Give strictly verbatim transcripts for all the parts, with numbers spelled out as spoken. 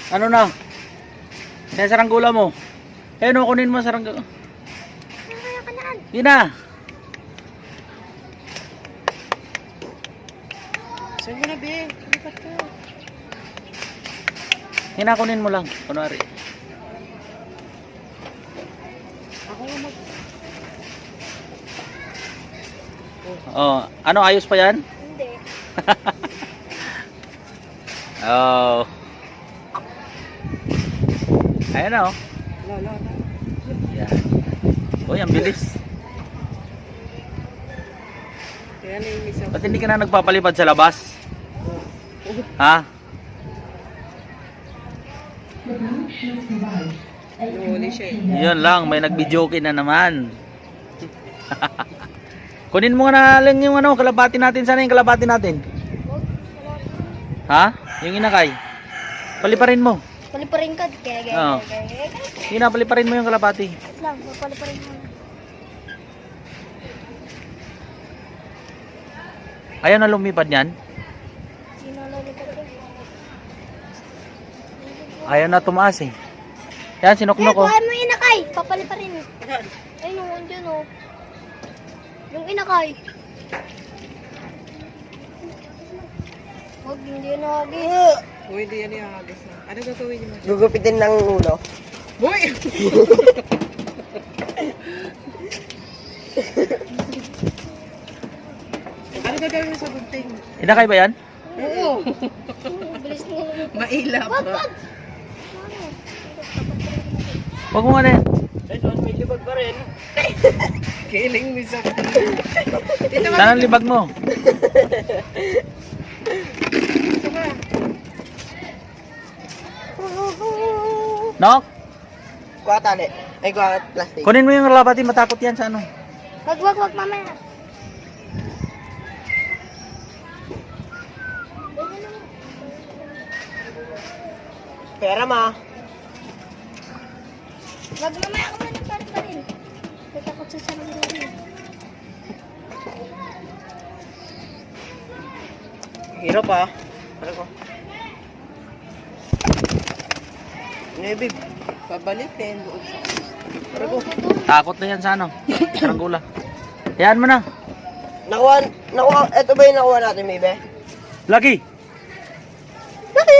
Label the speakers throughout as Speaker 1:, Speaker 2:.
Speaker 1: Ano na? Kaya saranggula mo. Eh, no, kunin mo saranggula.
Speaker 2: Kaya ka naan.
Speaker 1: Yun na.
Speaker 3: Saan mo na, be? Lipat ka.
Speaker 1: Hinakunin mo lang. Kunwari.
Speaker 3: Ako nga mag...
Speaker 1: Oh, ano, ayos pa yan?
Speaker 2: Hindi.
Speaker 1: Oh. Ayan na, oh.
Speaker 3: La, la, la.
Speaker 1: Yan. Uy, ang bilis.
Speaker 3: Kaya na yung isa.
Speaker 1: Ba't hindi ka na nagpapalipad sa labas? Ha?
Speaker 3: Nahuli siya eh.
Speaker 1: Yun lang, may nag-videoke na naman. Kunin mo na lang yung ano, kalapati natin. Sana yung kalapati natin? Ha? Yung inakay. Paliparin mo.
Speaker 2: Paliparin ka. Kaya, kaya,
Speaker 1: Oo.
Speaker 2: kaya, kaya, kaya.
Speaker 1: Yun na, paliparin mo yung kalapati.
Speaker 2: Wait lang, paliparin mo.
Speaker 1: Ayaw na lumipad yan.
Speaker 2: Sino lalipad ko?
Speaker 1: Ayaw na tumaas eh. Yan,
Speaker 2: Eh,
Speaker 1: sinuknok ko.
Speaker 2: kuhaan mo yung inakay. Papaliparin mo. Ay, yung andyan oh. Yung inakay. Huwag, hindi yun nagis.
Speaker 3: Uy, hindi yan yung agos na. Ano gagawin niyo?
Speaker 4: Gugupitin ng ulo.
Speaker 3: Boy! Ano gagawin mo sa gunting?
Speaker 1: Inakay ba yan?
Speaker 3: Oo.
Speaker 2: Bilis mo.
Speaker 3: Mailap.
Speaker 2: Wag, wag.
Speaker 1: Huwag mo nga na yan.
Speaker 4: May libag pa rin.
Speaker 3: Kiling mo sa Dito ka.
Speaker 1: Saan ang libag mo?
Speaker 3: Dito ka.
Speaker 1: Nok?
Speaker 4: Kuha tali. Ay, kuha plastic.
Speaker 1: Kunin mo yung kalapati, matakot yan sa ano.
Speaker 2: Wag, wag, wag, mamaya.
Speaker 4: Pera ma.
Speaker 2: Wag, mamaya ka muna para pa rin. Natakot sa sarili rin.
Speaker 4: Hirap ah. Ano ko? Nebib.
Speaker 3: Pabalik din. Doon sa...
Speaker 4: Ano ko?
Speaker 1: Takot na yan sa ano. Saranggula. Hayaan mo na.
Speaker 4: Nakuha, nakuha, eto ba yung nakuha natin, Maybe?
Speaker 1: Lucky!
Speaker 4: Laki!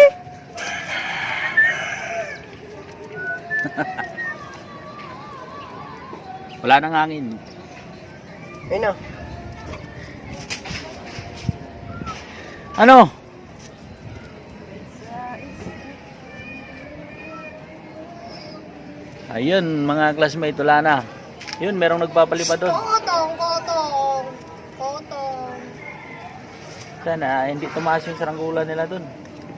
Speaker 1: Wala nang hangin.
Speaker 4: Ayun na.
Speaker 1: Ano? Ayun, mga classmate, wala na. Yun, merong nagpapalipad doon.
Speaker 2: Kotong, kotong. Kotong.
Speaker 1: Sana, hindi tumaas yung saranggula nila doon.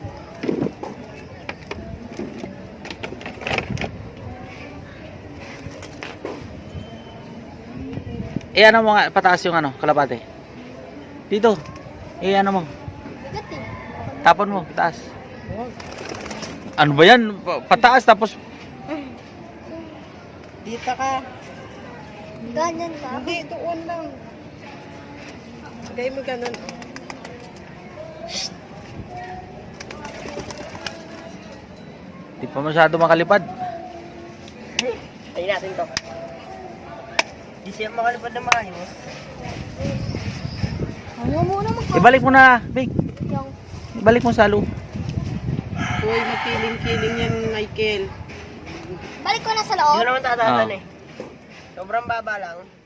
Speaker 1: Eh, ano mo nga, pataas yung ano, kalapate. Dito. Eh, ano mo,
Speaker 2: Bigat eh.
Speaker 1: tapon mo, pataas. Ano ba yan? Pa- Pataas, tapos,
Speaker 3: Dito ka.
Speaker 2: Ganyan ka.
Speaker 3: Hindi, doon lang. Sagay mo ganun.
Speaker 1: di pa masyado makalipad.
Speaker 4: Tayo natin to. Di siya makalipad na maayos.
Speaker 2: Ano muna mag-
Speaker 1: Ibalik mo na, Big.
Speaker 2: Yung
Speaker 1: Ibalik mo sa loob.
Speaker 3: Uy, makiling-kiling yan, Michael.
Speaker 2: balik ko na sa
Speaker 4: Hindi
Speaker 2: loob.
Speaker 4: ko naman tatatan
Speaker 1: Ah.
Speaker 4: eh. Sobrang baba lang.